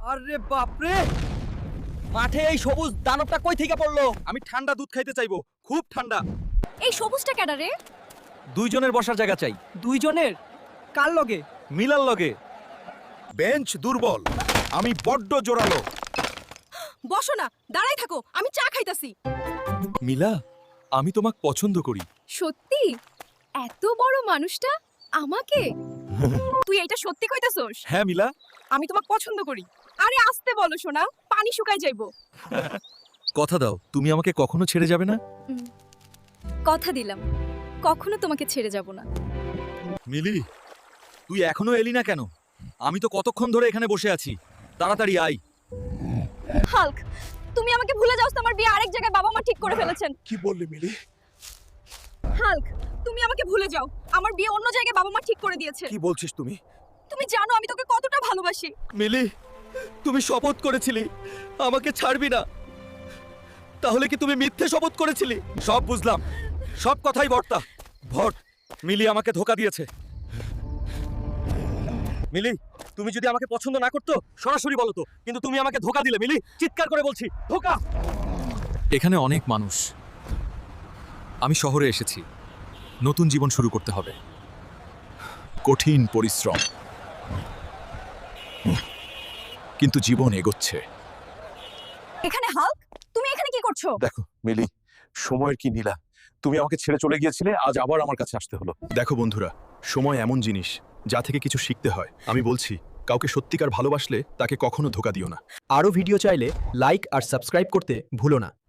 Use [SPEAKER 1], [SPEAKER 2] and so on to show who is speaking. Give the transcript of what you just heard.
[SPEAKER 1] আরে বাপরে, মাঠে এই সবুজ দানবটা কই থেকে পড়লো? আমি ঠান্ডা দুধ খাইতে চাইবো, খুব ঠান্ডা।
[SPEAKER 2] এই সবুজটা কেডা রে?
[SPEAKER 1] দুইজনের বসার জায়গা চাই।
[SPEAKER 3] দুইজনের? কার লগে?
[SPEAKER 1] মিলার লগে।
[SPEAKER 4] বেঞ্চ দুর্বল, আমি বড্ড জোরালো।
[SPEAKER 2] বসো না, দাঁড়াই থাকো, আমি চা খাইতাছি।
[SPEAKER 1] মিলা, আমি তোমাকে পছন্দ করি।
[SPEAKER 2] সত্যি? এত বড় মানুষটা আমাকে? তুই এটা সত্যি কইতাছস?
[SPEAKER 1] হ্যাঁ মিলা।
[SPEAKER 2] আমি তোমাকে পছন্দ করি। আরে আস্তে বলো সোনা, পানি শুকায় যাইবো।
[SPEAKER 1] কথা দাও, তুমি আমাকে কখনো ছেড়ে যাবে না?
[SPEAKER 2] কথা দিলাম, কখনো তোমাকে ছেড়ে যাব না।
[SPEAKER 1] মিলি, তুই এখনো এলি না কেন? আমি তো কতক্ষণ ধরে এখানে বসে আছি। তাড়াতাড়ি আয়।
[SPEAKER 2] হাল্ক, তুমি আমাকে ভুলে যাও, আমার বিয়ে আরেক জায়গায় বাবা মা ঠিক করে ফেলেছেন।
[SPEAKER 4] কি বললি মিলি?
[SPEAKER 2] হাল্ক, তুমি আমাকে ভুলে যাও, আমার বিয়ে অন্য জায়গায় বাবা মা ঠিক করে দিয়েছে।
[SPEAKER 4] কি বলছিস তুমি?
[SPEAKER 2] তুমি জানো আমি তোকে কতটা ভালোবাসি।
[SPEAKER 1] মিলি, তুমি শপথ করেছিলি আমাকে ছাড়বি না, তাহলে কি তুমি মিথ্যে শপথ করেছিলি? সব বুঝলাম, সব কথাই বর্তা ভট। মিলি আমাকে ধোকা দিয়েছে। মিলি, তুমি যদি আমাকে পছন্দ না করতো সরাসরি বলো তো, কিন্তু তুমি আমাকে ধোকা দিলে। মিলি, চিৎকার করে বলছি, ধোকা। এখানে অনেক মানুষ। আমি শহরে এসেছি, নতুন জীবন শুরু করতে হবে।
[SPEAKER 4] কঠিন পরিশ্রম, কিন্তু জীবন এগোচ্ছে।
[SPEAKER 2] এখানে হাল্ক, তুমি এখানে কি করছো?
[SPEAKER 4] দেখো মিলি, সময়ের কি নীলা। তুমি আমাকে ছেড়ে চলে গিয়েছিলে, আজ আবার আমার কাছে আসতে হলো।
[SPEAKER 5] দেখো বন্ধুরা, সময় এমন জিনিস যা থেকে কিছু শিখতে হয়। আমি বলছি, কাউকে সত্যিকার ভালোবাসলে তাকে কখনো ধোকা দিও না।
[SPEAKER 3] আরও ভিডিও চাইলে লাইক আর সাবস্ক্রাইব করতে ভুলো না।